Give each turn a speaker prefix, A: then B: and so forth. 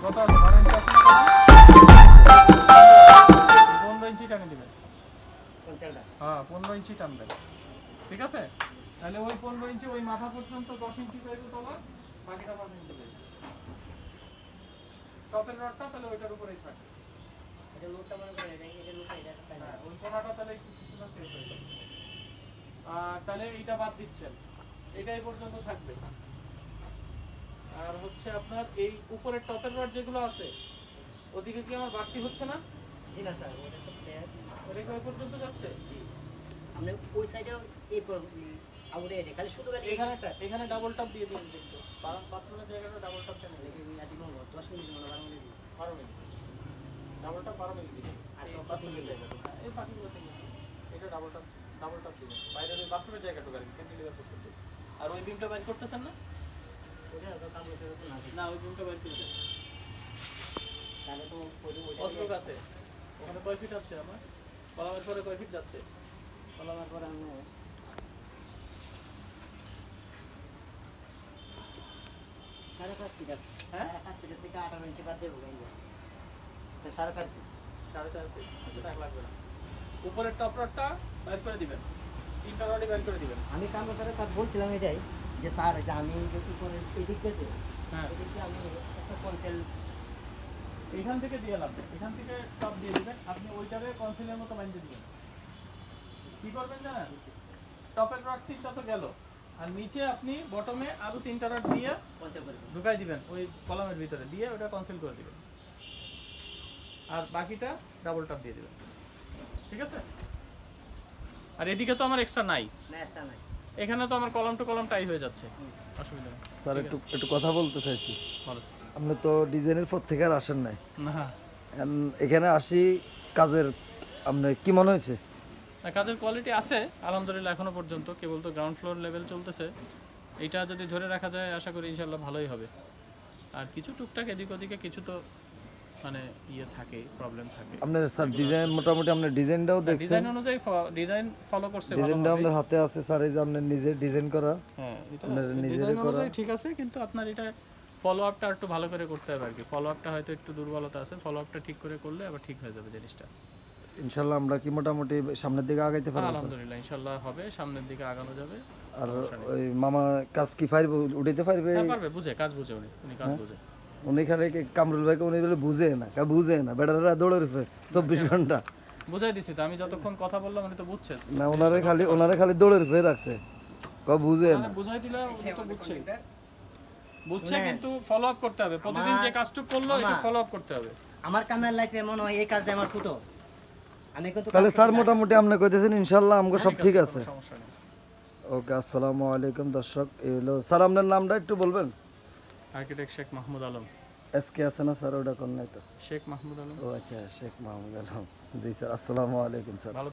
A: কত আছে 12 ইঞ্চি আছে না? 15 ইঞ্চি টানে দিবেন। হ্যাঁ 15 ইঞ্চি টানবেন, ঠিক আছে? তাহলে ওই 15 ইঞ্চি ওই মাথা পর্যন্ত 10 ইঞ্চি পাইবে তলা, বাকিটা 5 ইঞ্চি পাইবে। টপের রডটা তাহলে ওইটার উপরেই থাকে। এটা লোডটা মনে করে এটা লোডটা এটা থাকে। হ্যাঁ ওই কোণাটা তাহলে একটু কিছুটা সেট হয়ে যাবে। আর তাহলে এইটা বাদ দিচ্ছেন, এটা এই পর্যন্ত থাকবে। আর হচ্ছে আপনার এই উপরের টপের রড যেগুলো আছে ওদিকে কি আমার বাড়তি হচ্ছে না?
B: জি না স্যার, ওটা তো প্লেয়ার।
A: ওটা কি ওই পর্যন্ত যাচ্ছে?
B: জি, আপনি ওই সাইডে এই আউটে এটা খালি শুধু খালি
A: এখানে স্যার এখানে ডাবল টপ দিয়ে দিন দেখতে। বাথরুমের জায়গাটা ডাবল টপটা নেই।
B: লেগে আদি মনে 10 মিনিট মনে 12 minute
A: 12 minute double top 12 minute দিবেন।
B: আর
A: এই
B: সব
A: বাথরুমের জায়গাটা এই বাকিগুলো সিঙ্গেল। এটা ডাবল টপ দিবেন। বাইরের ওই বাথরুমের জায়গাটা আর কি ক্যান্টিলিভার পর্যন্ত। আর ওই বিমটা বাইর করতেছেন না?
B: ওটা তো কাম হচ্ছে না।
A: না ওই বিমটা বাইর করে দেন।
B: তাহলে তো
A: কত লোক আছে ওখানে? কয় ফিট আছে আমার? কলামের পরে কয় ফিট যাচ্ছে?
B: কলামের পরে আমি সাড়ে 5 ফিট আছে।
A: হ্যাঁ
B: 5 ফিটের থেকে 18 ইঞ্চি বাদ দেবো গাইলে। তো 4.5 ফিট।
A: 4.5 ফিট আচ্ছা টাকা লাগবে না। উপরের টপ রডটা বাইর করে দিবেন, তিনটা রডই বাইর করে দিবেন।
B: আমি কাম করে স্যার বলছিলাম এটাই যে স্যার যে আমি যদি করে এদিক থেকে
A: হ্যাঁ
B: এদিকে আমি একটা কনসেল
A: এখান থেকে দিয়ে লাগবে, এখান থেকে টপ দিয়ে দিবেন। আপনি ওইটারে কনসিলের মতো বাঁধিয়ে দিবেন। কি করবেন জানেন? টপের রড তিনটা তো গেল, আর নিচে আপনি বটমে আরো তিনটা রড দিয়ে
B: কনসেল করে
A: ঢুকাই দিবেন ওই কলামের ভিতরে, দিয়ে ওটা কনসিল করে দিবেন। আর বাকিটা ডাবল টপ দিয়ে দিবেন, ঠিক আছে? আর এদিকে তো আমার এক্সট্রা নাই,
B: ম্যাচটা নাই।
A: এখানে তো আমার কলাম টু কলাম টাই হয়ে যাচ্ছে, অসুবিধা নেই।
C: স্যার একটু কথা বলতে চাইছি।
A: বলো।
C: আপনি তো ডিজাইনের পর থেকে আর আসেন নাই,
A: না
C: এখানে আসি কাজের আপনার কি মনে হয়েছে?
A: না, কাজের কোয়ালিটি আছে আলহামদুলিল্লাহ এখনো পর্যন্ত, কেবল তো গ্রাউন্ড ফ্লোর লেভেল চলতেছে। এইটা যদি ধরে রাখা যায় আশা করি ইনশাল্লাহ ভালোই হবে। আর কিছু টুকটাক এদিক ওদিকে কিছু তো মানে ইয়ে থাকে, প্রবলেম থাকে।
C: আপনার স্যার ডিজাইন মোটামুটি আপনার ডিজাইনটাও দেখছেন?
A: ডিজাইন অনুযায়ী ডিজাইন ফলো করছে ভালো।
C: ডিজাইনটা আপনার হাতে আছে স্যার, এই যে আপনার নিজে ডিজাইন করা।
A: হ্যাঁ এটা
C: আপনার নিজের
A: ডিজাইন
C: করা।
A: অনুযায়ী ঠিক আছে, কিন্তু আপনার এটা ফলো আপটা একটু ভালো করে করতে হবে আর কি। ফলো আপটা হয়তো একটু দুর্বলতা আছে, ফলো আপটা ঠিক করে করলে আবার ঠিক হয়ে যাবে জিনিসটা।
C: ইনশাল্লাহ আমরা কি মোটামুটি সামনের দিকে আগাইতে পারবো?
A: আলহামদুলিল্লাহ ইনশাল্লাহ হবে, সামনের দিকে আগানো যাবে।
C: আর ওই মামা কাজ কি পারবে, উঠাইতে পারবে?
A: হ্যাঁ পারবে, বুঝে কাজ বুঝে উনি কাজ বুঝে।
C: উনি খালি কামরুল ভাইকে উনি বলে বুঝে না বেটারা দৌড়ে রূপে 24 ঘন্টা।
A: বুঝাই দিছি তো আমি, যতক্ষণ কথা বললাম উনি তো বুঝছেন
C: না, ওনারে খালি দৌড়ে রূপে রাখছে, বুঝে না।
A: বুঝাই দিলে উনি তো বুঝছে কিন্তু ফলো আপ করতে হবে। প্রতিদিন যে কাজটুকু করলো এটা ফলো আপ করতে হবে।
B: আমার কামের লাইফে মনে হয় এই কাজটা আমার ছোট। আমি কিন্তু
C: তাহলে স্যার মোটামুটি আপনি কইতেছেন ইনশাআল্লাহ আমগো সব ঠিক আছে।
A: সমস্যা নেই।
C: ওকে, আসসালামু আলাইকুম দর্শক। এই হলো স্যার, আপনার নামটা একটু বলবেন?
A: আর্কিটেক্ট শেখ মাহমুদ আলম।
C: এসকে আছে না স্যার? ওটা কোন নাই তো?
A: শেখ মাহমুদ আলম।
C: ও আচ্ছা, শেখ মাহমুদ আলম। জি স্যার, আসসালামু আলাইকুম স্যার।